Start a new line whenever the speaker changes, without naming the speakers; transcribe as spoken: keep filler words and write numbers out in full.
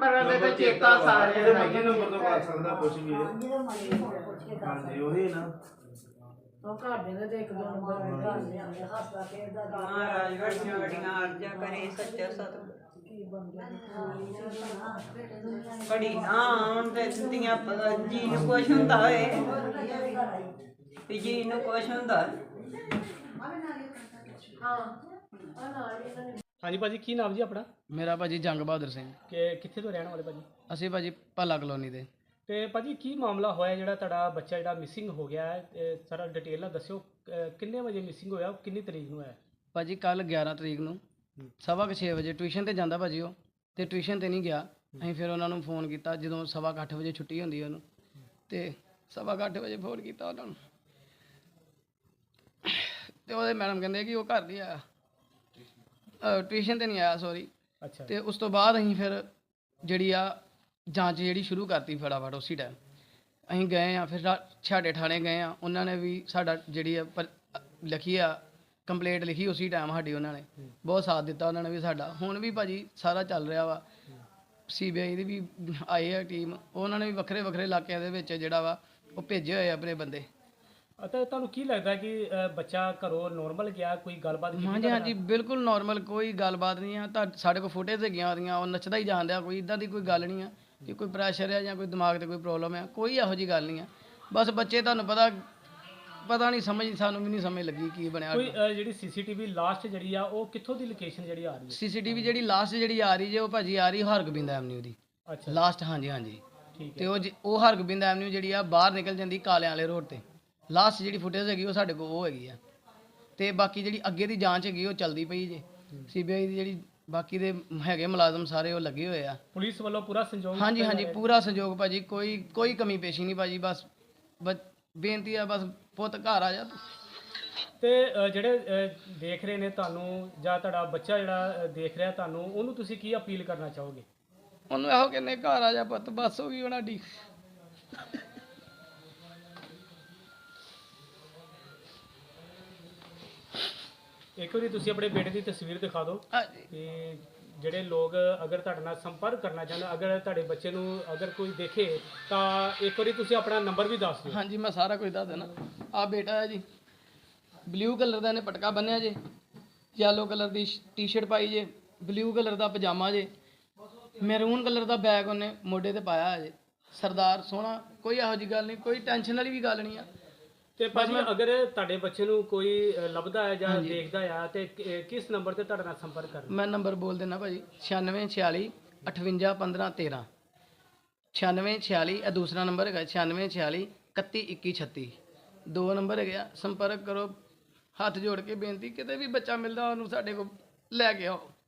Number ਦੇ ਤੇ ਚੇਤਾ ਸਾਰੇ
ਇਹਦੇ ਮੱਝੇ ਨੰਬਰ ਤੋਂ ਕਰ ਸਕਦਾ ਕੁਝ ਵੀ ਹੈ। ਹਾਂਜੀ ਉਹੀ ਨਾ
ਉਹ ਘਰ ਦੇ ਤੇ ਇੱਕ ਦੋ ਨੰਬਰ ਘਰ ਦੇ ਆਂਦੇ ਹੱਸਦਾ ਖੇਡਦਾ
ਮਹਾਰਾਜ ਵੱਡੀਆਂ ਵੱਡੀਆਂ ਅਰਜ਼ਾਂ ਕਰੇ ਸੱਚਾ ਸਤਿਗੁਰ
ਕੀ ਬਣ ਗਿਆ
ਬੜੀ ਨਾ ਹੁਣ ਤੇ ਧੀਆਂ ਜੀ ਨੂੰ ਕੁਛ ਹੁੰਦਾ ਹੋਏ ਤੇ ਜੀ ਨੂੰ ਕੁਛ ਹੁੰਦਾ।
ਹਾਂ ਆ ਨਾਲ ਇਹਨਾਂ ਨੇ
ਹਾਂਜੀ ਭਾਜੀ ਕੀ ਨਾਮ ਜੀ ਆਪਣਾ?
ਮੇਰਾ ਭਾਜੀ ਜੰਗ ਬਹਾਦਰ ਸਿੰਘ।
ਕਿ ਕਿੱਥੇ ਤੋਂ ਰਹਿਣ ਵਾਲੇ ਭਾਜੀ?
ਅਸੀਂ ਭਾਜੀ ਭੱਲਾ ਕਲੋਨੀ ਦੇ।
ਤੇ ਭਾਜੀ ਕੀ ਮਾਮਲਾ ਹੋਇਆ ਜਿਹੜਾ ਤੁਹਾਡਾ ਬੱਚਾ ਜਿਹੜਾ ਮਿਸਿੰਗ ਹੋ ਗਿਆ ਹੈ? ਇਹ ਸਾਰਾ ਡਿਟੇਲ ਨਾਲ ਦੱਸਿਓ। ਅਹ ਕਿੰਨੇ ਵਜੇ ਮਿਸਿੰਗ ਹੋਇਆ, ਕਿੰਨੀ ਤਰੀਕ ਨੂੰ ਹੋਇਆ?
ਭਾਜੀ ਕੱਲ ਗਿਆਰਾਂ ਤਰੀਕ ਨੂੰ ਸਵਾ ਕੁ ਛੇ ਵਜੇ ਟਿਊਸ਼ਨ ਤੇ ਜਾਂਦਾ ਭਾਜੀ ਉਹ, ਤੇ ਟਿਊਸ਼ਨ ਤੇ ਨਹੀਂ ਗਿਆ। ਅਸੀਂ ਫਿਰ ਉਹਨਾਂ ਨੂੰ ਫੋਨ ਕੀਤਾ ਜਦੋਂ ਸਵਾ ਕੁ ਅੱਠ ਵਜੇ ਛੁੱਟੀ ਹੁੰਦੀ ਉਹਨੂੰ, ਤੇ ਸਵਾ ਕੁ ਅੱਠ ਵਜੇ ਫੋਨ ਕੀਤਾ ਉਹਨਾਂ ਨੂੰ, ਤੇ ਉਹਦੇ ਮੈਡਮ ਕਹਿੰਦੇ ਕਿ ਉਹ ਘਰ ਨਹੀਂ ਆਇਆ, ਟਿਊਸ਼ਨ ਤੇ ਨਹੀਂ ਆਇਆ ਸੌਰੀ।
ਅੱਛਾ।
ਤੇ ਉਸ ਤੋਂ ਬਾਅਦ ਅਸੀਂ ਫਿਰ ਜਿਹੜੀ ਆ ਜਾਂਚ ਜਿਹੜੀ ਸ਼ੁਰੂ ਕਰਤੀ ਫਟਾਫਟ ਉਸੇ ਟਾਈਮ ਅਸੀਂ ਗਏ ਆ। ਫਿਰ ਛਾੜੇ ਥਾਣੇ ਗਏ ਆ, ਉਹਨਾਂ ਨੇ ਵੀ ਸਾਡਾ ਜਿਹੜੀ ਆ ਪਰ ਲਿਖੀ ਆ ਕੰਪਲੇਂਟ ਲਿਖੀ ਉਸੇ ਟਾਈਮ ਸਾਡੀ, ਉਹਨਾਂ ਨੇ ਬਹੁਤ ਸਾਥ ਦਿੱਤਾ ਉਹਨਾਂ ਨੇ ਵੀ ਸਾਡਾ। ਹੁਣ ਵੀ ਭਾਜੀ ਸਾਰਾ ਚੱਲ ਰਿਹਾ ਵਾ, ਸੀ ਬੀ ਆਈ ਦੀ ਵੀ ਆਈ ਆ ਟੀਮ, ਉਹਨਾਂ ਨੇ ਵੀ ਵੱਖਰੇ ਵੱਖਰੇ ਇਲਾਕਿਆਂ ਦੇ ਵਿੱਚ ਜਿਹੜਾ ਵਾ ਉਹ ਭੇਜੇ ਹੋਏ ਆਪਣੇ ਬੰਦੇ।
ਅਤੇ ਤੁਹਾਨੂੰ ਕੀ ਲੱਗਦਾ ਕਿ ਅਹ, ਬੱਚਾ ਘਰੋਂ ਨੋਰਮਲ ਗਿਆ? ਕੋਈ ਗੱਲਬਾਤ ਕੀਤੀ
ਹਾਂਜੀ ਹਾਂਜੀ ਬਿਲਕੁਲ ਨੋਰਮਲ, ਕੋਈ ਗੱਲਬਾਤ ਨਹੀਂ ਆ। ਤਾਂ ਸਾਡੇ ਕੋਲ ਫੁਟੇਜ ਹੈਗੀਆਂ ਉਹਦੀਆਂ, ਉਹ ਨੱਚਦਾ ਹੀ ਜਾਣ ਡਿਆ, ਕੋਈ ਇੱਦਾਂ ਦੀ ਕੋਈ ਗੱਲ ਨਹੀਂ ਆ ਕਿ ਕੋਈ ਪ੍ਰੈਸ਼ਰ ਹੈ ਜਾਂ ਕੋਈ ਦਿਮਾਗ 'ਤੇ ਕੋਈ ਪ੍ਰੋਬਲਮ ਹੈ, ਕੋਈ ਇਹੋ ਜਿਹੀ ਗੱਲ ਨਹੀਂ ਆ। ਬਸ ਬੱਚੇ ਤੁਹਾਨੂੰ ਪਤਾ ਪਤਾ ਨਹੀਂ ਸਮਝ, ਸਾਨੂੰ ਵੀ ਨਹੀਂ ਸਮਝ ਲੱਗੀ ਕੀ ਬਣਿਆ।
ਕੋਈ ਅਹ, ਜਿਹੜੀ ਸੀਸੀਟੀਵੀ ਲਾਸਟ ਜਿਹੜੀ ਆ ਉਹ ਕਿੱਥੋਂ ਦੀ ਲੋਕੇਸ਼ਨ ਜਿਹੜੀ ਆ ਰਹੀ ਹੈ?
ਸੀਸੀਟੀਵੀ ਜਿਹੜੀ ਲਾਸਟ ਜਿਹੜੀ ਆ ਰਹੀ ਜੇ ਉਹ ਭਾਜੀ ਆ ਰਹੀ ਹਰਗੋਬਿੰਦ ਐਵਨਿਊ ਦੀ
ਅੱਛਾ
ਲਾਸਟ। ਹਾਂਜੀ ਹਾਂਜੀ
ਠੀਕ
ਤੇ
ਹੈ।
ਉਹ ਜ- ਉਹ ਹਰਗੋਬਿੰਦ ਐਵਨਿਊ ਜਿਹੜੀ ਆ ਬਾਹਰ ਨਿਕਲ ਜਾਂਦੀ ਕਾਲਿਆਂ ਵਾਲੇ ਰੋਡ ਤੇ। ਲਾਸਟ ਜਿਹੜੀ ਫੁਟੇਜ ਹੈਗੀ ਉਹ ਸਾਡੇ ਕੋਲ ਉਹ ਹੈਗੀ ਆ, ਤੇ ਬਾਕੀ ਜਿਹੜੀ ਅੱਗੇ ਦੀ ਜਾਂਚ ਹੈਗੀ ਉਹ ਚੱਲਦੀ ਪਈ ਜੇ। ਸੀ ਬੀ ਆਈ ਦੀ ਜਿਹੜੀ ਬਾਕੀ ਦੇ ਹੈਗੇ ਮੁਲਾਜ਼ਮ ਸਾਰੇ ਉਹ ਲੱਗੇ ਹੋਏ ਆ।
ਪੁਲਿਸ ਵੱਲੋਂ ਪੂਰਾ ਸੰਯੋਗ
ਹਾਂਜੀ
ਦਿੱਤਾ
ਹਾਂਜੀ
ਜਾ ਰਿਹਾ?
ਪੂਰਾ ਸਹਿਯੋਗ ਭਾਜੀ, ਕੋਈ ਕੋਈ ਕਮੀ ਪੇਸ਼ੀ ਨਹੀਂ ਭਾਜੀ। ਬਸ ਬਸ ਬੇਨਤੀ ਆ, ਬਸ ਪੁੱਤ ਘਰ ਆ ਜਾ ਤੂੰ।
ਤੇ ਅਹ, ਜਿਹੜੇ ਅਹ, ਦੇਖ ਰਹੇ ਨੇ ਤੁਹਾਨੂੰ, ਜਾਂ ਤੁਹਾਡਾ ਬੱਚਾ ਜਿਹੜਾ ਅਹ, ਦੇਖ ਰਿਹਾ ਤੁਹਾਨੂੰ, ਉਹਨੂੰ ਤੁਸੀਂ ਕੀ ਅਪੀਲ ਕਰਨਾ ਚਾਹੋਗੇ?
ਉਹਨੂੰ ਇਹੋ ਕਹਿੰਦੇ ਘਰ ਆ ਜਾ ਪੁੱਤ, ਬਸ ਹੋ ਗਈ ਉਹਨਾਂ ਦੀ।
ਇੱਕ ਵਾਰੀ ਤੁਸੀਂ ਆਪਣੇ ਬੇਟੇ ਦੀ ਤਸਵੀਰ ਦਿਖਾ ਦਿਓ
ਹਾਂਜੀ
ਕਿ ਜਿਹੜੇ ਲੋਕ ਅਗਰ ਤੁਹਾਡੇ ਨਾਲ ਸੰਪਰਕ ਕਰਨਾ ਚਾਹੁੰਦੇ, ਅਗਰ ਤੁਹਾਡੇ ਬੱਚੇ ਨੂੰ ਅਗਰ ਕੋਈ ਦੇਖੇ ਤਾਂ ਇੱਕ ਵਾਰੀ ਤੁਸੀਂ ਆਪਣਾ ਨੰਬਰ ਵੀ ਦੱਸ ਦਿਓ।
ਹਾਂਜੀ ਮੈਂ ਸਾਰਾ ਕੁਝ ਦੱਸ ਦੇਣਾ। ਆ ਬੇਟਾ ਹੈ ਜੀ, ਬਲੂ ਕਲਰ ਦਾ ਇਹਨੇ ਪਟਕਾ ਬੰਨਿਆ ਜੇ, ਯੈਲੋ ਕਲਰ ਦੀ ਟੀ-ਸ਼ਰਟ ਪਾਈ ਜੇ, ਬਲੂ ਕਲਰ ਦਾ ਪਜਾਮਾ ਜੇ, ਮੈਰੂਨ ਕਲਰ ਦਾ ਬੈਗ ਉਹਨੇ ਮੋਢੇ ਤੇ ਪਾਇਆ ਹੈ ਜੇ। ਸਰਦਾਰ ਸੋਹਣਾ, ਕੋਈ ਇਹੋ ਜਿਹੀ ਗੱਲ ਨਹੀਂ, ਕੋਈ ਟੈਨਸ਼ਨ ਵਾਲੀ ਵੀ ਗੱਲ ਨਹੀਂ ਆ।
ਤੇ ਭਾਜੀ ਅਗਰ ਤੁਹਾਡੇ ਬੱਚੇ ਨੂੰ ਕੋਈ ਅ, ਲੱਭਦਾ ਹੈ ਜਾਂ ਦੇਖਦਾ ਆ ਤੇ ਕਿ- ਕਿਸ ਨੰਬਰ ਤੇ ਤੁਹਾਡੇ ਨਾਲ ਸੰਪਰਕ ਕਰਨਾ?
ਮੈਂ ਨੰਬਰ ਬੋਲ ਦੇਣਾ ਭਾਜੀ, ਛਿਆਨਵੇਂ ਛਿਆਲੀ ਅਠਵੰਜਾ ਪੰਦਰਾਂ ਤੇਰਾਂ। ਛਿਆਨਵੇਂ ਛਿਆਲੀ ਇਹ ਦੂਸਰਾ ਨੰਬਰ ਹੈਗਾ, ਛਿਆਨਵੇਂ ਛਿਆਲੀ ਇਕੱਤੀ ਇੱਕੀ ਛੱਤੀ, ਦੋ ਨੰਬਰ ਹੈਗੇ ਆ। ਸੰਪਰਕ ਕਰੋ, ਹੱਥ ਜੋੜ ਕੇ ਬੇਨਤੀ, ਕਿਤੇ ਵੀ ਬੱਚਾ ਮਿਲਦਾ ਉਹਨੂੰ ਸਾਡੇ ਕੋਲ ਲੈ ਕੇ ਆਓ।